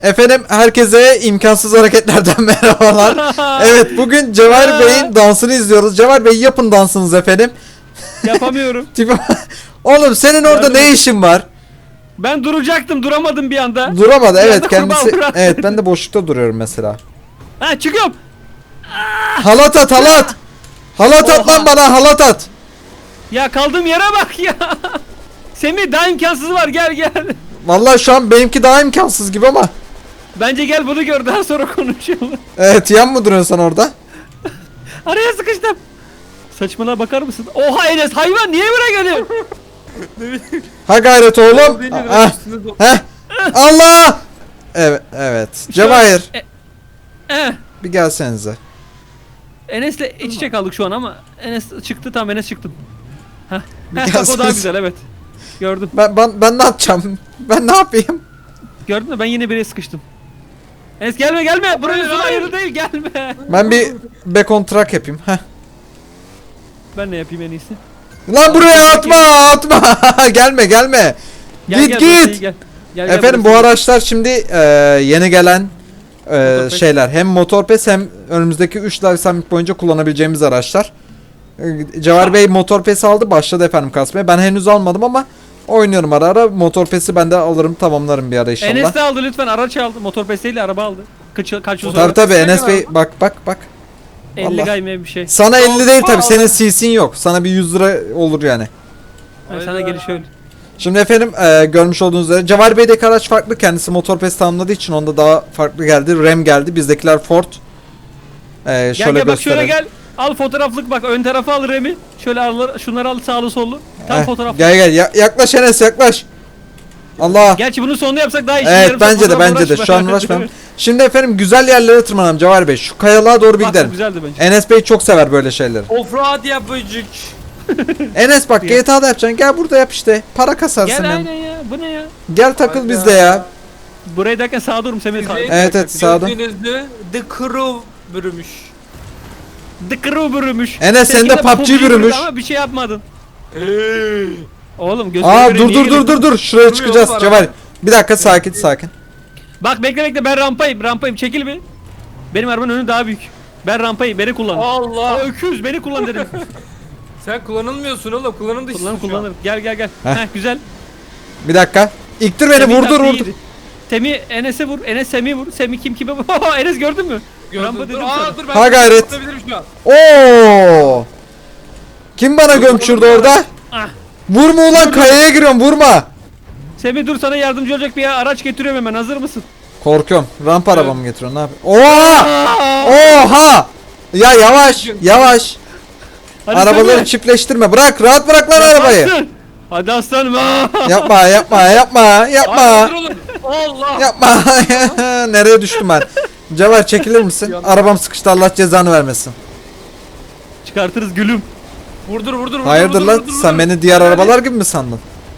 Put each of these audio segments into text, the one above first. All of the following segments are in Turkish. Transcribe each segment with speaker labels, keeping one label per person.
Speaker 1: Efendim herkese imkansız hareketlerden merhabalar. Evet bugün Cevher Bey'in dansını izliyoruz. Cevher Bey yapın dansınız efendim.
Speaker 2: Yapamıyorum.
Speaker 1: Oğlum senin orada
Speaker 2: Yardım
Speaker 1: ne
Speaker 2: et.
Speaker 1: işin var?
Speaker 2: Ben duracaktım, duramadım bir anda.
Speaker 1: Duramadı
Speaker 2: Bir
Speaker 1: evet
Speaker 2: anda
Speaker 1: kendisi.
Speaker 2: kurbağa bıraktı.
Speaker 1: Evet ben de boşlukta duruyorum mesela.
Speaker 2: Ha, çıkıyorum.
Speaker 1: Halat at halat. Halat at
Speaker 2: Oha.
Speaker 1: lan bana halat at.
Speaker 2: Ya kaldığım yere bak ya. Semih daha imkansızı var, gel gel.
Speaker 1: Vallahi şu an benimki daha imkansız gibi ama.
Speaker 2: Bence gel bunu gör, daha sonra konuşalım.
Speaker 1: Evet yan mı duruyorsun sen orada?
Speaker 2: Araya sıkıştım. Saçmalığa bakar mısın? Oha Enes, hayvan niye buraya geliyor?
Speaker 1: Ha gayret oğlum. Ah, heh. Allah. Evet evet. Cevahir
Speaker 2: Eh.
Speaker 1: bir gelsenize.
Speaker 2: Enes'le iç içe kaldık şu an ama Enes çıktı, tam Enes çıktım. Heh. Heh, bak o
Speaker 1: gelseniz.
Speaker 2: daha güzel, evet. Gördüm.
Speaker 1: Ben ne yapacağım? Ben ne yapayım?
Speaker 2: Gördün mü? Ben yine bire sıkıştım. Enes gelme gelme. Burası su
Speaker 3: hayır.
Speaker 2: ayrı değil, gelme.
Speaker 1: Ben bir back on track yapayım. Heh.
Speaker 2: Ben ne yapayım en iyisi?
Speaker 1: Lan buraya atma atma. Gelme gelme.
Speaker 2: Gel,
Speaker 1: Git
Speaker 2: gel, burası iyi,
Speaker 1: git.
Speaker 2: gel. Gel,
Speaker 1: Efendim bu
Speaker 2: burası iyi.
Speaker 1: araçlar şimdi yeni gelen
Speaker 2: Motorpes.
Speaker 1: şeyler. Hem Motorpes hem önümüzdeki 3 Live Summit boyunca kullanabileceğimiz araçlar. Cevher Bey Motorpes aldı, başladı efendim kasmaya. Ben henüz almadım ama oynuyorum ara ara. Motorpes'i ben de alırım, tamamlarım bir ara inşallah.
Speaker 2: Enes de aldı lütfen, araç aldı. Motor pesteyle araba aldı. Kaç yıl sonra?
Speaker 1: Tabii tabii
Speaker 3: Ne
Speaker 1: Enes
Speaker 3: kadar?
Speaker 1: Bey bak.
Speaker 2: 50
Speaker 1: Allah.
Speaker 2: gayme bir şey.
Speaker 1: Sana 50 değil tabii,
Speaker 3: Allah.
Speaker 1: senin CC'in yok. Sana bir 100 lira olur yani.
Speaker 2: Ha, sana geliş öyle.
Speaker 1: Şimdi efendim görmüş olduğunuz üzere Cevher Bey'deki araç farklı. Kendisi Motorpes tamamladığı için onda daha farklı geldi. Ram geldi. Bizdekiler Ford.
Speaker 2: Gel
Speaker 1: Şöyle
Speaker 2: gel bak, şöyle
Speaker 1: gösterelim.
Speaker 2: gel. Al fotoğraflık, bak ön tarafı al Remi. Şöyle al, şunları al sağlı sollu. Tam
Speaker 1: Heh,
Speaker 2: fotoğraf.
Speaker 1: Gel yaklaş Enes yaklaş. Allah.
Speaker 2: Gerçi bunun sonunu yapsak daha iyi.
Speaker 1: Evet bence de şu an uğraşmam. Şimdi efendim güzel yerlere tırmanalım Cevher Bey. Şu kayalığa doğru bir
Speaker 2: Bak,
Speaker 1: gidelim.
Speaker 2: güzeldi bence.
Speaker 1: Enes Bey çok sever böyle şeyleri.
Speaker 3: Offroad yapıcık.
Speaker 1: Enes bak
Speaker 2: Ya.
Speaker 1: GTA'da yapacaksın. Gel burada yap işte. Para kasarsın
Speaker 2: Gel
Speaker 1: hem.
Speaker 2: aynen ya. Bu ne ya?
Speaker 1: Gel takıl bizde ya.
Speaker 2: Buraya derken sağa durum Semih.
Speaker 1: Evet sağda.
Speaker 3: Gördüğünüzde The Crew bürümüş.
Speaker 2: The Crew bürümüş.
Speaker 1: Enes, sen de
Speaker 2: Seninki
Speaker 1: PUBG bürümüş.
Speaker 2: Ama bir şey yapmadın. Oğlum
Speaker 1: Aa
Speaker 2: gözüme
Speaker 1: dur. Şuraya çıkacağız
Speaker 3: var
Speaker 1: Cevher.
Speaker 3: abi.
Speaker 1: Bir dakika sakin.
Speaker 2: Bak bekle, ben rampayım çekil bir. Benim arabanın önü daha büyük. Ben rampayım, beni kullan.
Speaker 3: Allah.
Speaker 2: Öküz beni kullan dedim.
Speaker 3: Sen kullanılmıyorsun oğlum. Kullanım dışısın şu an.
Speaker 2: Kullanırım. Gel.
Speaker 1: Heh.
Speaker 2: Heh, güzel.
Speaker 1: Bir dakika. İktir beni
Speaker 2: Semih
Speaker 1: vurdur.
Speaker 2: taktiğiydi. Semih Enes'e vur. Enes Semih'e vur. Semih kime vur? Enes gördün mü? Rampa
Speaker 3: Gördüm.
Speaker 2: dedim
Speaker 3: Aa
Speaker 2: sana.
Speaker 3: dur ben
Speaker 1: Ha gayret.
Speaker 3: tutabilirim şu an.
Speaker 1: Oo! Kim bana gömçürdü orada?
Speaker 2: Ah.
Speaker 1: Vurma ulan, kayaya giriyorum, vurma.
Speaker 2: Semih dur, sana yardımcı olacak bir araç getiriyorum hemen. Hazır mısın?
Speaker 1: Korkuyorum. Rampa arabamı getiriyorsun, ne yapayım? Oha! Oha! Ya yavaş.
Speaker 2: Hadi
Speaker 1: Arabaları
Speaker 2: Semih.
Speaker 1: çiftleştirme. Rahat bırak lan arabayı.
Speaker 2: Yaparsın. Hadi aslanım.
Speaker 1: Yapma.
Speaker 3: Ay, dur oğlum. Allah.
Speaker 1: Yapma. Nereye düştüm ben? Cevher çekilir misin? Arabam sıkıştı, Allah cezanı vermesin.
Speaker 2: Çıkartırız gülüm.
Speaker 3: Vurdur.
Speaker 1: Hayırdır lan? Sen beni diğer arabalar gibi mi sandın?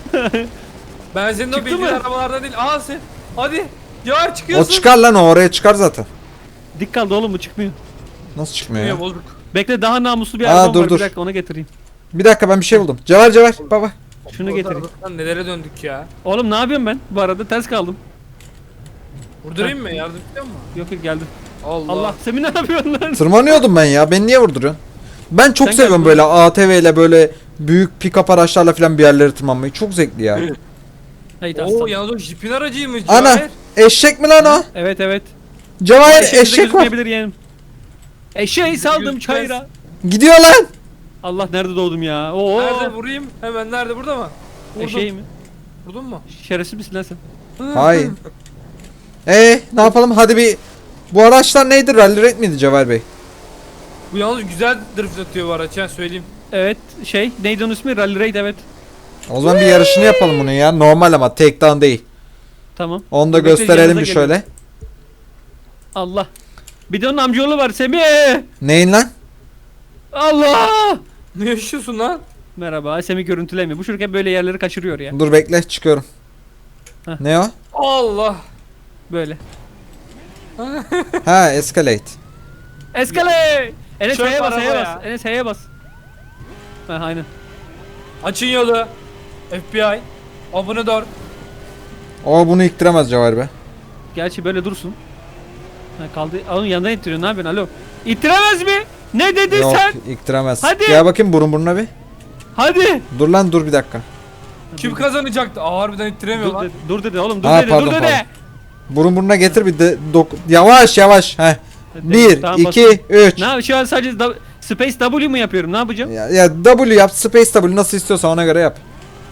Speaker 3: Ben senin o
Speaker 2: Çıktı
Speaker 3: bildiğin
Speaker 2: mı?
Speaker 3: arabalardan değil. Aa sen. Hadi. Ya
Speaker 1: O
Speaker 3: çıkıyorsun.
Speaker 1: çıkar lan, o oraya çıkar zaten.
Speaker 2: Dik kaldı oğlum, bu çıkmıyor.
Speaker 1: Nasıl çıkmıyor ya?
Speaker 3: Bozuk.
Speaker 2: Bekle, daha namuslu bir
Speaker 1: Aa,
Speaker 2: arabam
Speaker 1: dur.
Speaker 2: var. Bir dakika onu getireyim.
Speaker 1: Bir dakika, ben bir şey buldum. Cevher baba.
Speaker 2: Şunu getireyim.
Speaker 3: Lan nelere döndük ya.
Speaker 2: Oğlum ne yapıyorum ben? Bu arada ters kaldım.
Speaker 3: Vurdurayım mı? Yardım ediyor mu?
Speaker 2: Yok geldim.
Speaker 3: Allah.
Speaker 2: Allah, Semih ne yapıyorsun lan?
Speaker 1: Tırmanıyordum ben ya. Beni niye vurduruyorsun? Ben çok
Speaker 2: Sen
Speaker 1: seviyorum
Speaker 2: gel
Speaker 1: böyle ATV ile böyle büyük pick-up araçlarla falan bir yerlere tırmanmayı. Çok zevkli ya.
Speaker 2: Haydi
Speaker 3: Oo
Speaker 2: aslan.
Speaker 3: yalnız o jipin aracıymış.
Speaker 1: Ana,
Speaker 3: Cevher.
Speaker 1: eşek mi lan o?
Speaker 2: Evet.
Speaker 1: Cevahir
Speaker 2: Eşeğimize
Speaker 1: eşek var.
Speaker 2: gözükmeyebilir yeğenim. Eşeği saldım
Speaker 3: Gözükmez.
Speaker 2: çayıra.
Speaker 1: Gidiyor lan.
Speaker 2: Allah, nerede doğdum ya? Oo.
Speaker 3: Nerede vurayım? Hemen nerede? Burada mı? Vurdum.
Speaker 2: Eşeği mi?
Speaker 3: Vurdun mu?
Speaker 2: Şerefsiz misin lan sen?
Speaker 1: Hayır. Ne yapalım? Hadi bir... Bu araçlar neydi? Rally Raid miydi Cevher Bey?
Speaker 3: Bu yalnız güzel drift atıyor bu araç ya, söyleyeyim.
Speaker 2: Evet, neydi onun ismi? Rally Raid, evet.
Speaker 1: O zaman bir yarışını yapalım bunu ya. Normal ama takedown değil.
Speaker 2: Tamam.
Speaker 1: Onu da
Speaker 2: Bekle,
Speaker 1: gösterelim
Speaker 2: yanınıza
Speaker 1: bir
Speaker 2: geliyorum.
Speaker 1: şöyle.
Speaker 2: Allah. Bir de onun amcaoğlu var Semih.
Speaker 1: Neyin lan?
Speaker 2: Allah.
Speaker 3: Ne yaşıyorsun lan?
Speaker 2: Merhaba, Semih görüntülemiyor. Bu çocuk hep böyle yerleri kaçırıyor ya.
Speaker 1: Dur bekle, çıkıyorum.
Speaker 2: Heh.
Speaker 1: Ne o?
Speaker 3: Allah.
Speaker 2: Böyle.
Speaker 1: Ha, escalate.
Speaker 2: Eskale. Enes
Speaker 3: Çöp
Speaker 2: H'ye bas,
Speaker 3: araba
Speaker 2: H'ye
Speaker 3: ya.
Speaker 2: bas. Enes H'ye bas. Ha, aynen.
Speaker 3: Açın yolu. FBI. Abone ol.
Speaker 1: O bunu iktiremez Cevher Bey.
Speaker 2: Gerçi böyle dursun. Ha, kaldı. Onun yanından ittiriyor. Ne yapıyorsun? Alo. İttiremez mi? Ne dedin
Speaker 1: Yok
Speaker 2: sen?
Speaker 1: iktiremez.
Speaker 2: Hadi.
Speaker 1: Gel bakayım burun buruna bir.
Speaker 2: Hadi.
Speaker 1: Dur lan dur bir dakika.
Speaker 3: Kim kazanacaktı? Aa, harbiden ittiremiyor
Speaker 2: Dur
Speaker 3: lan.
Speaker 2: dedi, dur dedi oğlum dur
Speaker 1: Ha,
Speaker 2: dedi
Speaker 1: pardon,
Speaker 2: dur dedi.
Speaker 1: pardon. Burun burnuna getir bir de yavaş yavaş. Heh.
Speaker 2: Hadi,
Speaker 1: 1
Speaker 2: tamam,
Speaker 1: 2
Speaker 2: basıyorum.
Speaker 1: 3.
Speaker 2: Ne yap? Şu an sadece Space W mu yapıyorum? Ne yapacağım?
Speaker 1: Ya W yap, Space W nasıl istiyorsan ona göre yap.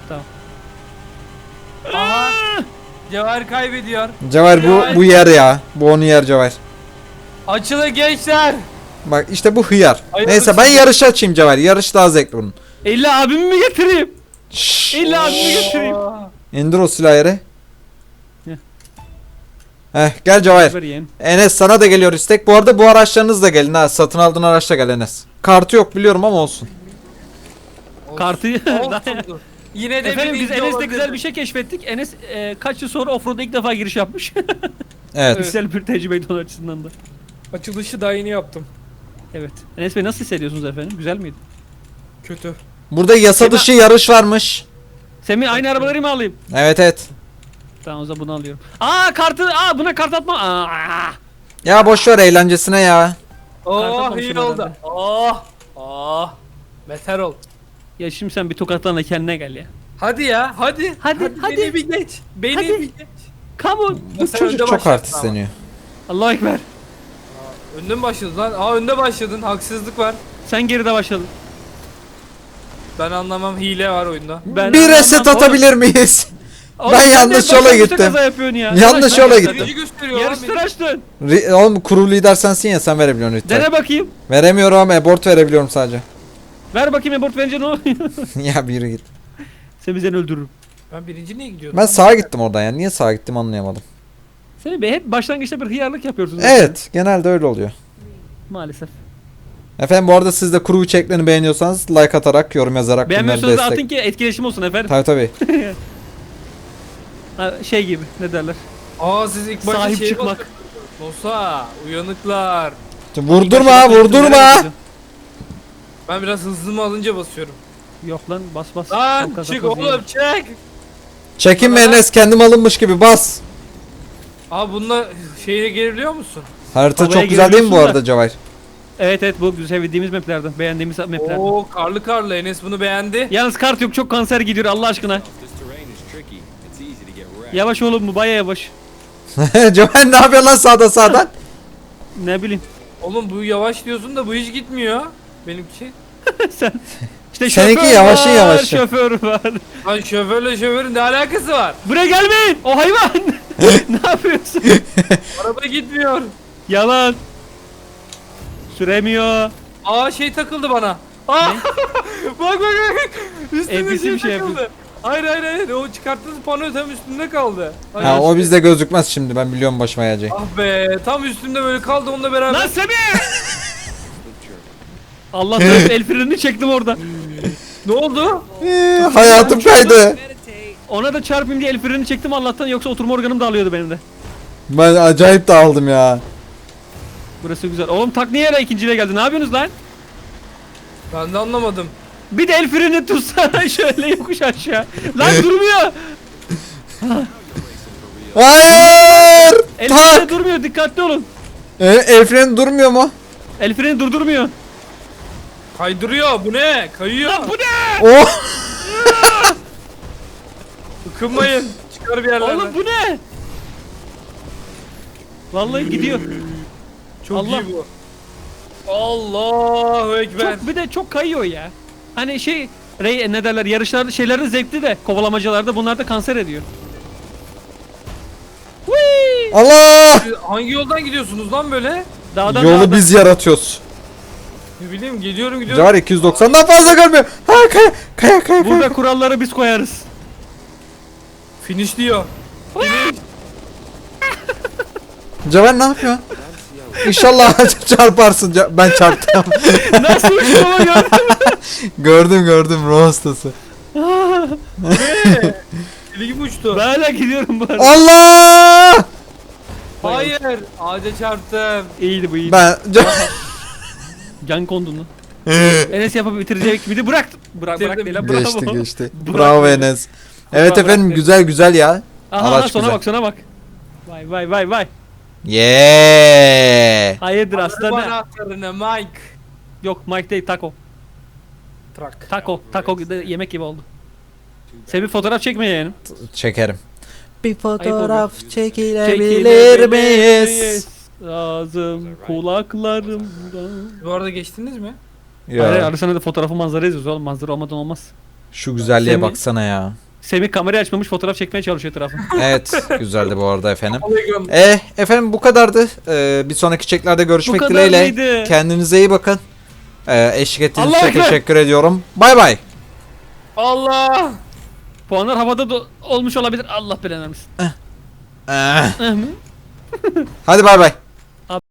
Speaker 3: Aha. Cevher kaybediyor.
Speaker 1: Cevher bu yer ya. Bu onu yer Cevher.
Speaker 3: Açılın gençler.
Speaker 1: Bak işte bu hıyar.
Speaker 3: Ay,
Speaker 1: Neyse ben yarışı açayım Cevher. Yarış daha zevkli bunun.
Speaker 2: İlla abimi mi getireyim?
Speaker 1: Şşş.
Speaker 2: İlla abimi getireyim.
Speaker 1: İndir o silahı yere.
Speaker 2: Heh.
Speaker 1: Gel Cevher.
Speaker 2: Ver yeğen.
Speaker 1: Enes sana da geliyor istek. Bu arada bu araçlarınız da gelin ha. Satın aldığın araçla gel Enes. Kartı yok biliyorum ama olsun.
Speaker 2: Kartı.
Speaker 3: Olsun. Yine de
Speaker 2: Efendim biz
Speaker 3: birinci
Speaker 2: Enes'le
Speaker 3: olabilir.
Speaker 2: güzel bir şey keşfettik. Enes kaç yıl sonra offroad'a ilk defa giriş yapmış.
Speaker 1: Evet.
Speaker 2: Güzel bir tecrübeydi onun açısından da.
Speaker 3: Açılışı daha yeni yaptım.
Speaker 2: Evet. Enes Bey nasıl hissediyorsunuz efendim? Güzel miydi?
Speaker 3: Kötü.
Speaker 1: Burada yasa dışı yarış varmış.
Speaker 2: Semih aynı arabaları mı alayım?
Speaker 1: Evet evet.
Speaker 2: Tamam o zaman bunu alıyorum. Buna kart atma.
Speaker 1: Ya boş ver eğlencesine ya.
Speaker 3: Oh
Speaker 2: atmamışım
Speaker 3: iyi oldu.
Speaker 2: herhalde.
Speaker 3: Oh. Beter ol.
Speaker 2: Ya şimdi sen bir tokatlarla kendine gel ya.
Speaker 3: Hadi ya hadi.
Speaker 2: Hadi.
Speaker 3: Beni bir geç. Beni
Speaker 2: Hadi.
Speaker 3: bir geç.
Speaker 2: Come on.
Speaker 1: Bu
Speaker 3: Sen
Speaker 1: çocuk
Speaker 3: önde
Speaker 1: çok
Speaker 3: başlattın
Speaker 1: artistleniyor.
Speaker 2: Allahu Ekber.
Speaker 3: Önde mi başladın lan? Aa önde başladın. Haksızlık var.
Speaker 2: Sen geride başladın.
Speaker 3: Ben anlamam, hile var oyunda.
Speaker 2: Ben
Speaker 1: Bir reset atabilir miyiz?
Speaker 2: Oğlum,
Speaker 1: Ben
Speaker 2: sen de
Speaker 1: yanlış yola
Speaker 2: başlangıçta
Speaker 1: gittim.
Speaker 2: kaza yapıyorsun ya.
Speaker 1: Yanlış yola gittim.
Speaker 3: Birinci gösteriyor lan
Speaker 2: Yarıştır
Speaker 3: beni.
Speaker 2: açtın.
Speaker 1: Oğlum kuru lider sensin ya sen verebiliyorsun lütfen.
Speaker 2: Dene bakayım.
Speaker 1: Veremiyorum abort verebiliyorum sadece.
Speaker 2: Ver bakayım abort verince ne oluyor?
Speaker 1: Ya bir yürü git.
Speaker 2: Seni seni öldürürüm.
Speaker 3: Ben birinci niye gidiyordum?
Speaker 1: Ben sağa gittim oradan ya. Niye sağa gittim anlayamadım.
Speaker 2: Seni be hep başlangıçta bir hıyarlık yapıyorsunuz.
Speaker 1: Evet genelde öyle oluyor.
Speaker 2: Maalesef.
Speaker 1: Efendim bu arada siz de kuru içeriklerini beğeniyorsanız like atarak yorum yazarak bunları
Speaker 2: Beğenmiyorsanız da
Speaker 1: destek.
Speaker 2: atın ki etkileşim olsun efendim.
Speaker 1: Tabii tabii.
Speaker 2: Ha, şey gibi ne derler?
Speaker 3: Aa siz ilk başta
Speaker 2: Sahip
Speaker 3: şeye
Speaker 2: çıkmak.
Speaker 3: basıyorsunuz. Nosa uyanıklar.
Speaker 1: Vurdurma vurdurma.
Speaker 3: Ben biraz hızlı mı alınca basıyorum.
Speaker 2: Yok lan bas bas.
Speaker 3: Lan
Speaker 2: Çok kaza
Speaker 3: çık
Speaker 2: koz
Speaker 3: oğlum çık.
Speaker 1: Çekinme Enes kendim alınmış gibi bas.
Speaker 3: Abi bununla şehre gelebiliyor musun?
Speaker 1: Harita
Speaker 2: Havaya
Speaker 1: çok güzel değil mi bu
Speaker 2: girebiliyorsun
Speaker 1: arada Cevahir?
Speaker 2: Evet bu sevdiğimiz maplerden. Beğendiğimiz maplerden.
Speaker 3: Oo karlı Enes bunu beğendi.
Speaker 2: Yalnız kart yok çok kanser gidiyor Allah aşkına.
Speaker 4: This terrain is tricky. It's easy to get wrecked.
Speaker 2: Yavaş oğlum bu baya yavaş.
Speaker 1: Cevahir ne yapıyor lan sağdan?
Speaker 2: Ne bileyim.
Speaker 3: Oğlum bu yavaş diyorsun da bu hiç gitmiyor. Benimki.
Speaker 2: Sen işte
Speaker 1: Seninki
Speaker 2: şoför
Speaker 1: yavaşı
Speaker 2: var,
Speaker 1: yavaşı.
Speaker 2: şoför var.
Speaker 3: Lan şoförle şoförün ne alakası var?
Speaker 2: Buraya gelmeyin. O hayvan. Ne yapıyorsun?
Speaker 3: Araba gitmiyor.
Speaker 2: Yalan. Süremiyor.
Speaker 3: Aa şey takıldı bana. Aa! bak. Üstünde
Speaker 2: NPC bir şey
Speaker 3: takıldı. Hayır. O çıkarttığınız pano tam üstünde kaldı. Hayır,
Speaker 1: Ha o bizde gözükmez şimdi ben biliyorum başıma geleceği.
Speaker 3: Ah be tam üstünde böyle kaldı onunla beraber.
Speaker 2: Lan Semih! Allah el frenini çektim orada.
Speaker 3: Ne oldu?
Speaker 1: Hayatım kaydı.
Speaker 2: Ona da çarpayım diye el frenini çektim Allah'tan yoksa oturma organım dağılıyordu benim de.
Speaker 1: Ben acayip dağıldım ya.
Speaker 2: Burası güzel. Oğlum tak niye yere ikinciyle geldi? Ne yapıyorsunuz lan?
Speaker 3: Ben de anlamadım.
Speaker 2: Bir de el freni tutsana şöyle yokuş aşağı. Lan durmuyor.
Speaker 1: Hayır!
Speaker 2: El
Speaker 1: Tak!
Speaker 2: freni durmuyor. Dikkatli olun.
Speaker 1: El freni durmuyor mu?
Speaker 2: El freni durdurmuyor.
Speaker 3: Kaydırıyor bu ne? Kayıyor.
Speaker 2: Lan bu ne?
Speaker 1: Oh!
Speaker 3: Ikınmayın. Çıkar bir yerlerden.
Speaker 2: Oğlum bu ne? Vallahi gidiyor.
Speaker 3: Çok
Speaker 2: Allah.
Speaker 3: iyi bu. Allahu Ekber.
Speaker 2: Çok, bir de çok kayıyor ya. Hani ne derler yarışlarda şeylerin zevkli de kovalamacılarda bunlar da kanser ediyor. Whee!
Speaker 1: Allah!
Speaker 3: Siz hangi yoldan gidiyorsunuz lan böyle?
Speaker 2: Dağdan
Speaker 1: Yolu
Speaker 2: dağdan.
Speaker 1: biz yaratıyoruz.
Speaker 3: Ne bileyim gidiyorum.
Speaker 1: Cevher 290'dan fazla görmüyor. Ha kaya.
Speaker 2: Burada kuralları biz koyarız.
Speaker 3: Finish diyor.
Speaker 1: Cevher ne yapıyor? İnşallah çarparsın. Ben çarptım.
Speaker 2: Nasıl uçtu ama gördün mü?
Speaker 1: gördüm ruh hastası.
Speaker 3: Deli gibi uçtu.
Speaker 2: Ben hala gidiyorum bu arada.
Speaker 1: Allah!
Speaker 3: Hayır. Ağaca çarptım.
Speaker 2: İyiydi bu iyiydi.
Speaker 1: Ben
Speaker 2: Can kondun lan. Enes yapıp bitirecek miydi? Bırak
Speaker 3: Bitirdim.
Speaker 2: değil lan, bravo.
Speaker 1: geçti.
Speaker 2: Bravo.
Speaker 1: Bravo Enes. Evet
Speaker 2: Bravo,
Speaker 1: efendim
Speaker 2: bravo.
Speaker 1: güzel ya.
Speaker 2: Aha
Speaker 1: Araç
Speaker 2: sona
Speaker 1: güzel.
Speaker 2: bak sona bak. Vay vay vay vay.
Speaker 1: Yeah.
Speaker 2: Hayırdır
Speaker 3: Araba
Speaker 2: aslanım?
Speaker 3: anahtarını Mike.
Speaker 2: Yok Mike değil Taco.
Speaker 3: Trak.
Speaker 2: Taco yemek gibi oldu. Sen bir fotoğraf çekme yeğenim.
Speaker 1: Çekerim. Bir
Speaker 2: fotoğraf
Speaker 1: çekilebilir miyiz?
Speaker 2: Ağzım kulaklarımdan.
Speaker 3: Bu arada geçtiniz mi?
Speaker 2: Hayır
Speaker 1: Ya,
Speaker 2: arasında da fotoğrafı manzara yazıyoruz oğlum. Manzara olmadan olmaz.
Speaker 1: şu güzelliğe
Speaker 2: Semih-
Speaker 1: baksana ya.
Speaker 2: Semih kamerayı açmamış fotoğraf çekmeye çalışıyor etrafı.
Speaker 1: Evet, güzeldi bu arada efendim.
Speaker 3: Polygon.
Speaker 1: Efendim bu kadardı. Bir sonraki çeklerde görüşmek
Speaker 2: kadar
Speaker 1: dileğiyle.
Speaker 2: mıydı?
Speaker 1: Kendinize iyi bakın. Eşlik ettiğiniz
Speaker 2: Allah
Speaker 1: için
Speaker 2: ekber.
Speaker 1: teşekkür ediyorum. Bay bay.
Speaker 3: Allah.
Speaker 2: Puanlar havada olmuş olabilir. Allah belanı vermesin.
Speaker 1: Hadi bay bay.